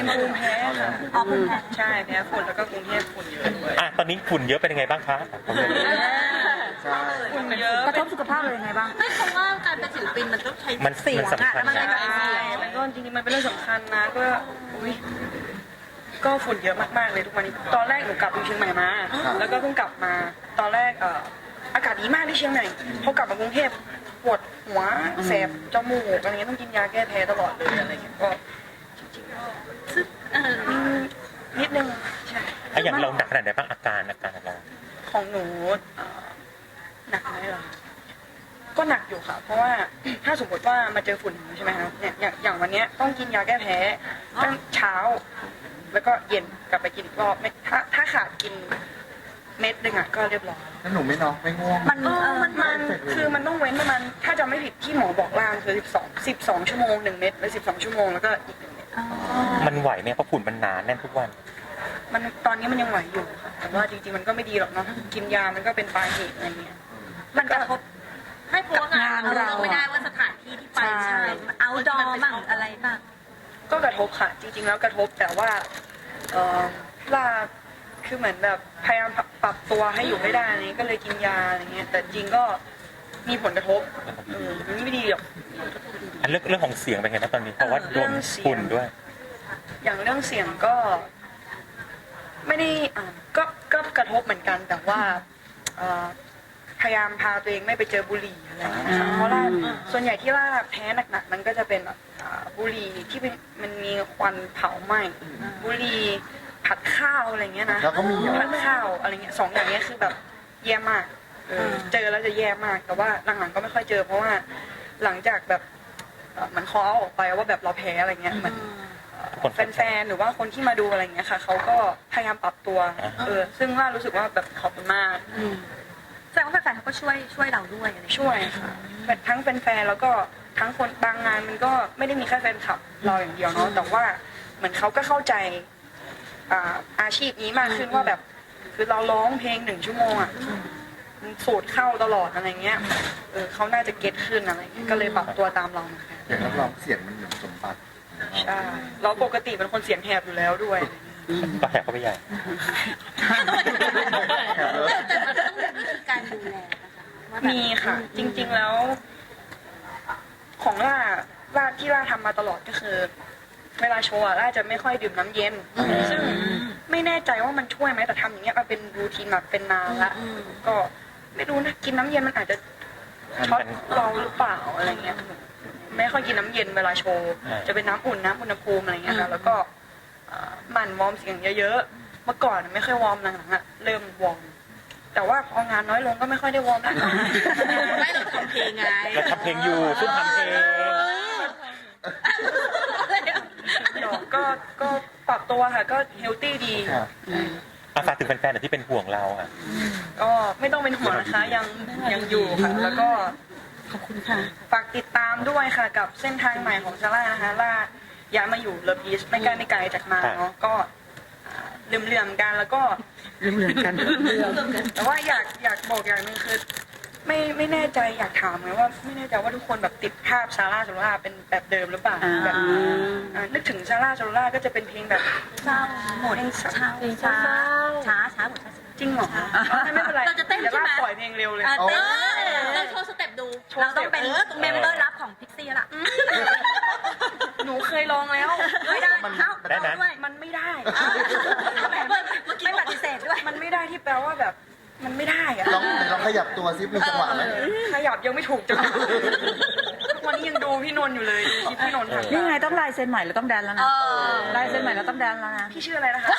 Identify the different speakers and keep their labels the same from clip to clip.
Speaker 1: เป็นภูมิแพ้ค่ะ
Speaker 2: อ๋อภูมิแพ้
Speaker 1: ใช่แพ้ฝุ่นแล้วก็กรุงเทพฝุ่นเยอะด้วย
Speaker 3: ตอนนี้ฝุ่นเยอะเป็นยังไงบ้างคะ
Speaker 4: ใช่
Speaker 1: ฝุ่นเยอะ
Speaker 2: กระทบสุขภาพเลยยังไงบ้าง
Speaker 5: ไม่เพราะว่าการเป็นศิลปินมันต้องใช้
Speaker 3: มัน
Speaker 5: เสียง
Speaker 3: สำ
Speaker 5: อะ
Speaker 3: คัญ
Speaker 5: แล้วมันเลย
Speaker 3: นะ
Speaker 5: ใช้เสียง
Speaker 1: มันก็จริงๆมันเป็นเรื่องสำคัญนะก็อุ๊ยก็ฝุ่นเยอะมากๆเลยทุกวันนี้ตอนแรกหนูกลับอยู่เชียงใหม่มาแล้วก็เพิ่งกลับมาตอนแรกอากาศดีมากที่เชียงใหม่พอกลับมากรุงเทพปวดหัวแสบจมูกอะไรเงี้ยต้องกินยาแก้แพ้ตลอดเลยอะไรเงี้ยก็จริงๆก็นิดนึงใช่
Speaker 3: อย่างเราหนักขนาดไหนบ้างอาการของเรา
Speaker 1: ของหนูหนักไหมล่ะก็หนักอยู่ค่ะ เพราะว่า ถ้าสมมติว่ามาเจอฝุ่นใช่ไหมคะเนี่ยอย่างวันเนี้ยต้องกินยาแก้แพ้ตั้งเช้า แล้วก็เย็นกลับไปกินอีกรอบไม่ถ้าขาดกินเม็ดหนึ่งอ่ะก็เรียบร้อย
Speaker 4: แล้วหนูไม่นอนไม่ง่วง
Speaker 1: มันคือมันต้องเว้นประมาณถ้าจำไม่ผิดที่หมอบอกล่างคือ12 ชั่วโมง1 เม็ดแล้ว12 ชั่วโมงแล้วก็อีก1 เม็ด
Speaker 3: มันไหวไหมเพราะฝุ่นมันหนาแน่นทุกวัน
Speaker 1: มันตอนนี้มันยังไหวอยู่ค่ะแต่ว่าจริงๆมันก็ไม่ดีหรอกเนาะกินยามันก็เป็นปลายเหตุอะไรเงี้ย
Speaker 5: มันกระทบให้เพราะว่างานเราไม่ได้ว่าสถานที่ที่ไปใช่เอาดอมั่งอะไรบ้าง
Speaker 1: ก็กระทบค่ะ จริงๆแล้วกระทบแต่ว่าล่าคือเหมือนแบบพยายามปรับตัวให้อยู่ไม่ได้อะไรนี้ก็เลยกินยาอะไรเงี้ยแต่จริงก็มีผลกระทบมันไม่ดีหรอก
Speaker 3: เรื่องของเสียงเป็นไงบ้างตอนนี้เพราะว่าโดนฝุ่นด้วย
Speaker 1: อย่างเรื่องเสียงก็ ไม่ได้ก็กระทบเหมือนกันแต่ว่าพยายามพาตัวเองไม่ไปเจอบุหรี่อะไรอย่างเงี้ยนะคะเพราะว่าส่วนใหญ่ที่ว่าแพ้หนักๆมันก็จะเป็นแบบบุหรี่ที่มันมีควันเผาไหม้บุหรี่ผัดข้าวอะไรเงี้ยนะ
Speaker 4: แล้วก็มี
Speaker 1: ผัดข้าวอะไรเงี้ย2 อย่างเงี้ยคือแบบแย่มากเจอแล้วจะแย่มากแต่ว่าหลังๆก็ไม่ค่อยเจอ เพราะว่าหลังจากแบบเหมือนคอเอาออกไปว่าแบบเราแพ้อะไรเงี้ยเหมือนแฟนๆหรือว่าคนที่มาดูอะไรเงี้ยค่ะเขาก็พยายามปรับตัวซึ่งล่ารู้สึกว่าแบบขอบคุณมาก
Speaker 5: แสดงว่าแฟนๆเขาก็ช่วยเราด้วยอะไร
Speaker 1: ช่วยค่ะทั้งแฟนๆแล้วก็ทั้งคนบางงานมันก็ไม่ได้มีแค่แฟนคลับเราอย่างเดียวเนาะแต่ว่าเหมือนเขาก็เข้าใจอาชีพนี้มากขึ้นว่าแบบคือเราร้องเพลง1 ชั่วโมงอ่ะสูตรเข้าตลอดอะไรเงี้ยเขาน่าจะเก็ตขึ้นอะไรเงี้ยก็เลยปรับตัวตามเรามา
Speaker 4: อย่างนักร้องเสียงมันเหมือนสมบัติ
Speaker 1: ใช่เราปกติเป็นคนเสียงแหบอยู่แล้วด้วย
Speaker 3: ก็แหกเข้าไปใหญ่
Speaker 5: แต่มันต้องมีวิธีการดูแลนะคะ
Speaker 1: มีค่ะ จริงๆแล้ว ของล่าที่ล่าทำมาตลอดก็คือ เวลาโชว์ล่าจะไม่ค่อยดื่มน้ำเย็นซึ่งไม่แน่ใจว่ามันช่วยไหมแต่ทำอย่างเงี้ยมาเป็นรูทีนมาเป็นนานละก็ไม่รู้นะกินน้ำเย็นมันอาจจะช็อตเราหรือเปล่าอะไรเงี้ยไม่ค่อยกินน้ำเย็นเวลาโชว์จะเป็นน้ำอุ่นน้ำอุณหภูมิอะไรเงี้ยค่ะแล้วก็หมั่นวอร์มเสียงเยอะๆเมื่อก่อนไม่ค่อยวอร์มหลังๆอะเริ่มวอร์มแต่ว่าพองานน้อยลงก็ไม่ค่อยได้วอร์มแล้ว
Speaker 5: ไม่เราทำเพลงไง
Speaker 3: เราทำเพลงอยู่ซุ่มทำเพลง
Speaker 1: ก็ปรับตัวค่ะก็เฮลตี้ดี
Speaker 3: ฝากถึงแฟนๆที่เป็นห่วงเราอ่ะ
Speaker 1: ก็ไม่ต้องเป็นห่วงนะคะยังอยู่ค่ะแล้วก็ขอบคุณค่ะฝากติดตามด้วยค่ะกับเส้นทางใหม่ของซาร่านะคะล่าย้ายมาอยู่เลิฟอีสไม่ไกลจากมาเนาะก็เหลื่อมๆกันแล้วก็เหลื่อมกันแต่ว่าอยากบอกอย่างหนึงคือไม่แน่ใจอยากถามไงว่าไม่แน่ใจว่าทุกคนแบบติดภาพซาร่าเป็นแบบเดิมหรือเปล่าแบบนึกถึงซาร่าก็จะเป็นเพลงแบบ
Speaker 5: เศร้าหมดช้าหมดช้า
Speaker 1: จริงเหรอไม่เป็นไร
Speaker 5: เราจะเต้น
Speaker 1: ดี๋ยว
Speaker 5: ใช่ไหม
Speaker 1: ปล่อยเพลงเร็วเลย
Speaker 5: เต้นเราโชว์สเต็ปดูเราต้องเป็นเมมเบอร์รับของพิกซี่ละ
Speaker 1: หนูเคยลองแล้ว
Speaker 5: ไม่ได้เข้า
Speaker 3: ได้ไหม
Speaker 5: ด้วย
Speaker 1: มันไม่ได้
Speaker 5: ไม่ปฏิเสธด้วย
Speaker 1: มันไม่ได้ที่แปลว่าแบบมันไม่ได้อะ
Speaker 4: ลองขยับตัวซิมีจังหวะไหม
Speaker 1: ขยับยังไม่ถูกจังวันนี้ยังดูพี่นนท์อยู่เลยดูคลิปพี่นนท์ทำ
Speaker 2: นี่ไงต้องลายเซ็นใหม่แล้วต้องแดนแล้วนะลายเซ็นใหม่แล้วต้องแดนแล้วนะ
Speaker 1: พี่ชื่ออะไรนะคะ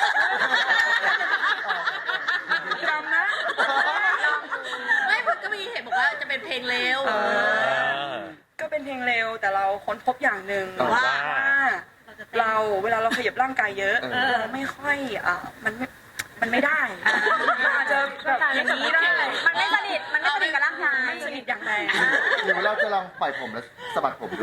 Speaker 1: จำนะ
Speaker 5: ไม่ผมก็มีเห็นบอกว่าจะเป็นเพลงเร็ว
Speaker 1: ก็เป็นเพลงเร็วแต่เราค้นพบอย่างหนึ่ง
Speaker 3: ว่า
Speaker 1: เราเวลาเราขยับร่างกายเยอะเราไม่ค่อยมันไม่ได้อาจจะแบบอย่างนี้ได้
Speaker 2: มันไม่สนิทกับร่างกาย
Speaker 1: ไม่สนิทอย่างแรง
Speaker 4: หรือเราจะลองปล่อยผมแล้วสะบัดผมดู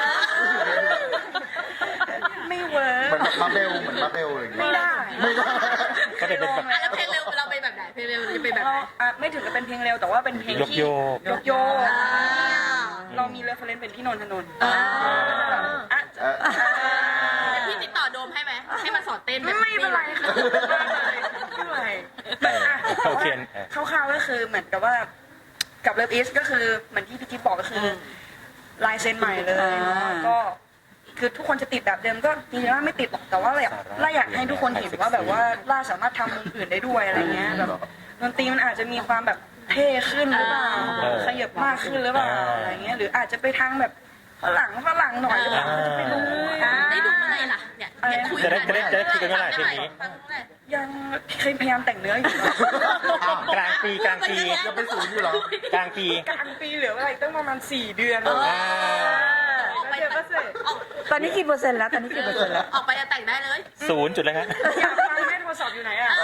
Speaker 1: ไม่เวิร์
Speaker 4: เหมือน
Speaker 1: ก
Speaker 4: มาเบลอะไรอย่างเงี้ย
Speaker 1: ไม่ได้
Speaker 4: ไม่ได้
Speaker 3: ก็เป็นแบบ
Speaker 5: แล้วเพลงเร็วเราเป็นแบบไหนเพลงเร็วจะเป็นแบบไหน
Speaker 1: ไม่ถึงกับเป็นเพลงเร็วแต่ว่าเป็นเพลงที่
Speaker 3: ยกโยก
Speaker 1: เรามีเรฟเฟรนซ์เป็นพี่นนทนนท์
Speaker 5: พี่ติดต่อโดมให้ไหมให้มันสอนเต้น
Speaker 1: ไม่เป็นไรค่ะไม่เป็นไรแบบอ่ะ
Speaker 3: โอเค
Speaker 1: คร่าวๆก็คือเหมือนกับว่ากับเลิฟอีสก็คือเหมือนที่พี่กิ๊ฟบอกก็คือลายเซ็นใหม่เลยเนาะก็คือทุกคนจะติดแบบเดิมก็จริงๆล่าไม่ติดหรอกแต่ว่าล่าอยากให้ทุกคนเห็นว่าแบบว่าล่าสามารถทำมุมอื่นได้ด้วยอะไรเงี้ยแบบดนตรีมันอาจจะมีความแบบเท่ขึ้นหรือเปล่าขยับมากขึ้นหรือเปล่าอะไรเงี้ยหรืออาจจะไปทางแบบฝรั่งหน่อยหรือเปล่าจะไปรู้
Speaker 5: ได้ดูเมื่อไหร่ล่ะเนี่ยคุยกัน
Speaker 3: จะได้คุยกันเมื่อไหร่เพลงนี้
Speaker 1: ยังเคยพยายามแต่งเนื้ออยู่
Speaker 3: กลางปี
Speaker 4: ยังเป็นศูนย์อยู่เหรอก
Speaker 3: ลางปี
Speaker 1: กลางปีเหลืออะไรตั้งประมาณ4 เดือน
Speaker 5: ออก
Speaker 1: แล้ว
Speaker 5: ไป
Speaker 1: เดี๋ยวก็เสร็จ
Speaker 2: ตอนนี้กี่เปอร์เซ็นต์แล้วตอนนี้กี่เปอร์เซ็นต์แล้ว
Speaker 5: ออกไปจะแต่งได้เลย
Speaker 3: ศูนย์จุดเลยครับ
Speaker 1: อยากฟังไหมโทรศัพท์อยู่ไหนอ่ะ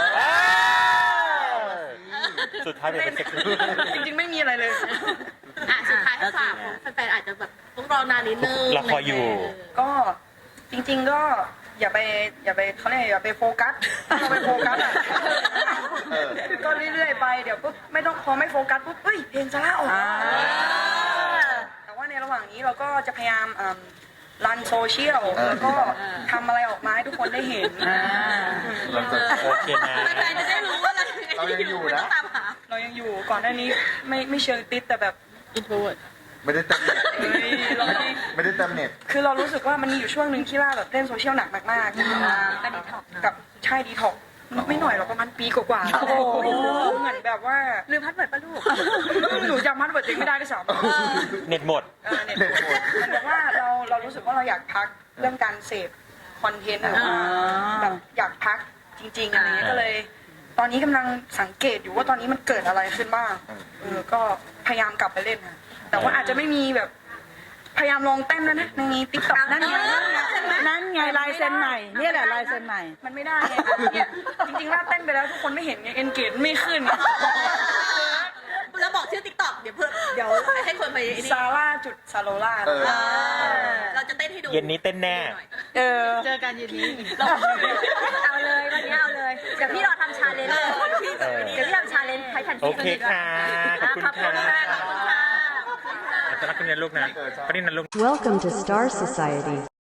Speaker 3: สุดท้ายเป็นเซ็กซี่
Speaker 1: จริงๆไม่มีอะไรเลย
Speaker 5: สุดท้ายให้ฝากแฟนๆอาจจะแบบต้องรอนานนิดนึง
Speaker 3: เราคอยอยู่
Speaker 1: ก็จริงๆก็อย่าไปเขาเรียกอย่าไปโฟกัสเราไปโฟกัสอ่ะก็เรื่อยๆไปเดี๋ยวปุ๊บไม่ต้องพอไม่โฟกัสปุ๊บเฮ้ยเพลงซาร่าออกมาแต่ว่าในระหว่างนี้เราก็จะพยายามรันโซเชียลแล้วก็ทำอะไรออกมาให้ทุกคนได้เห็น
Speaker 4: เราจะ
Speaker 3: โอเคนะ
Speaker 5: แฟนๆจะได้รู้ว่าอะไร
Speaker 4: เรายังอยู่นะ
Speaker 5: ไม่ต้องตามหา
Speaker 1: เรายังอยู่ก่อนหน้านี้ไม่เชิงติดแต่แบบ
Speaker 4: ไม่ได้เต็มเน็ต
Speaker 1: เฮ้ยเราไม่ได้
Speaker 4: ไม่ได้เต็มเน็ต
Speaker 1: คือเรารู้สึกว่ามันมีอยู่ช่วงหนึ่งที่ล่าแบบเล่นโซเชียลหนักมากๆกับใช่ดีท็อกไม่หน่อยหรอกประมาณปีกว่าๆเหมือนแบบว่า
Speaker 5: ลืมพัดเปิดปะลูก
Speaker 1: หนูจำมันเปิดจริงไม่ได้ด้วยซ้ำ
Speaker 3: เน็ตหมด
Speaker 1: เนี่ยมันแบบว่าเรารู้สึกว่าเราอยากพักเรื่องการเสพคอนเทนต์แบบอยากพักจริงๆอะไรเงี้ยก็เลย ตอนนี้กำลังสังเกตอยู่ว่าตอนนี้มันเกิดอะไรขึ้นบ้างก็พยายามกลับไปเล่นนะแต่ว่าอาจจะไม่มีแบบพยายามลองเต้นแล้วนะในติ๊กต็อก
Speaker 2: นั่นไงนั่นไงลายเซ็นใหม่เนี่ยแหละลายเซ็นใหม่
Speaker 1: มันไม่ได้ไงเนี่ยจริงๆล่าเต้นไปแล้วทุกคนไม่เห็นไงเอนเกจไม่ขึ้น
Speaker 5: แล้วบอกชื่อติ๊กต็อกเดี๋ยวให้คนไปนี่
Speaker 1: ซาร่าจุดซาโลล่า
Speaker 5: เราจะเต้นให้ดู
Speaker 3: เย็นนี้เต้นแน่
Speaker 5: เจอกันเย็นนี้เอาเลยวันนี้เอาเลยเดี๋ยวพี่รอทำชาเลนจ์เดี๋ยวพี่ทำชาเลนจ์ใครทัน
Speaker 3: โอ
Speaker 5: ที
Speaker 3: เคค่ะ ขอบคุณ
Speaker 5: ขอบคุ
Speaker 3: ค่ะ
Speaker 5: ณค่ะ
Speaker 3: จะรักคุณนะลูกนะปริ้นนะลูก
Speaker 6: Welcome to Star Society.